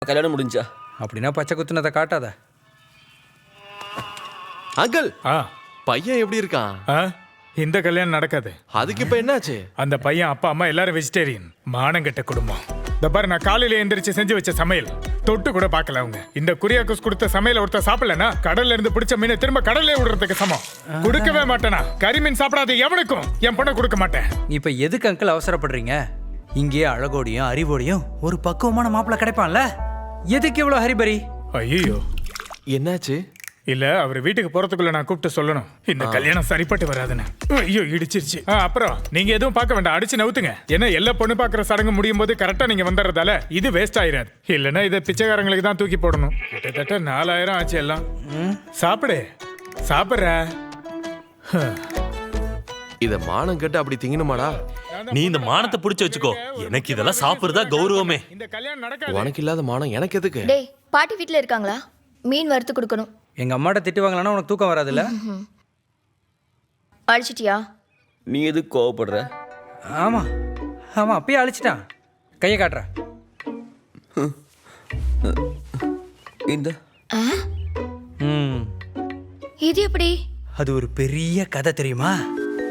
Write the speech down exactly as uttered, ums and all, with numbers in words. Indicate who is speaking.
Speaker 1: கல்யாணம் முடிஞ்சா?
Speaker 2: அப்படின்னா பச்சை குத்துனதை காட்டாத.
Speaker 3: அங்கிள்,
Speaker 4: ஆ
Speaker 3: பையன் எப்படி இருக்கான்?
Speaker 4: ஆ இந்த கல்யாணம் நடக்காது.
Speaker 3: அதுக்கு இப்ப என்னாச்சு?
Speaker 4: அந்த பையன் அப்பா அம்மா எல்லாரும் வெஜிடேரியன். மானங்கெட்ட குடும்பம். இந்த பாரு, நான் காலையில எந்திரிச்சு செஞ்சு வச்ச சமையல் தொட்டு கூட பார்க்கல அவங்க. இந்த குரியாக்கோஸ் கொடுத்த சமையல் ஒருத்தர் சாப்பிடலனா கடல்ல இருந்து பிடிச்ச மீனை திரும்ப கடல்ல விடுறதுக்கு சமம். கொடுக்கவே மாட்டேனா. கரிமீன் சாப்பிடாத எவனுக்கும் என் பொண்ணை கொடுக்க மாட்டேன்.
Speaker 2: இப்ப எதுக்கு அங்கிள் அவசரப்படுறீங்க? இங்கேயே அழகோடியும் அறிவோடையும் ஒரு பக்குவமான மாப்பிள்ள கிடைப்பான்ல. எதுக்கு இவ்வளவு ஹரிபரி?
Speaker 4: ஐயோ,
Speaker 3: என்னாச்சு?
Speaker 4: இல்ல அவர் வீட்டுக்கு போறதுக்குள்ள நான் கூப்பிட்டு சொல்லணும், இந்த கல்யாணம் சரிப்பட்டு வராதுன்னு. ஐயோ, இடிச்சிருச்சு. ஆ, அப்புறம் நீங்க எதுவும் பார்க்க வேண்டாம், அடிச்சு நவுத்துங்க. ஏன்னா எல்லா பொண்ணு பாக்குற சடங்கு முடியும் போது கரெக்டா நீங்க வந்துடுறதால இது வேஸ்ட் ஆயிராது. இல்லைன்னா இதை பிச்சைக்காரங்களுக்கு தான் தூக்கி போடணும். கிட்டத்தட்ட நாலாயிரம் ஆச்சு எல்லாம். சாப்பிடு சாப்பிட்ற.
Speaker 3: இத மானம் கட்டு அப்படி திங்கணுமாடா?
Speaker 5: நீ இந்த மானத்தை புடிச்சு வச்சுக்கோ. எனக்கு இதெல்லாம் சாப்பிடுறதா கௌரவமே.
Speaker 4: இந்த கல்யாணம் நடக்காது.
Speaker 3: உனக்கு இல்லாத மானம் எனக்கு எதுக்கு?
Speaker 6: டேய், பாட்டி வீட்ல இருக்காங்களா? மீன் வறுத்து கொடுக்கணும்.
Speaker 2: எங்க அம்மாட்ட திட்டு வாங்கலன்னா உனக்கு தூக்கம் வராதுல்ல?
Speaker 6: அழிச்சிட்டியா?
Speaker 1: நீ எதுக்கு கோவப்படுற?
Speaker 2: ஆமா ஆமா, அப்பயே அழிச்சிட்டான். கையை காட்டுற.
Speaker 1: இந்த
Speaker 2: ம்
Speaker 6: இது எப்படி?
Speaker 2: அது ஒரு பெரிய கதை தெரியுமா?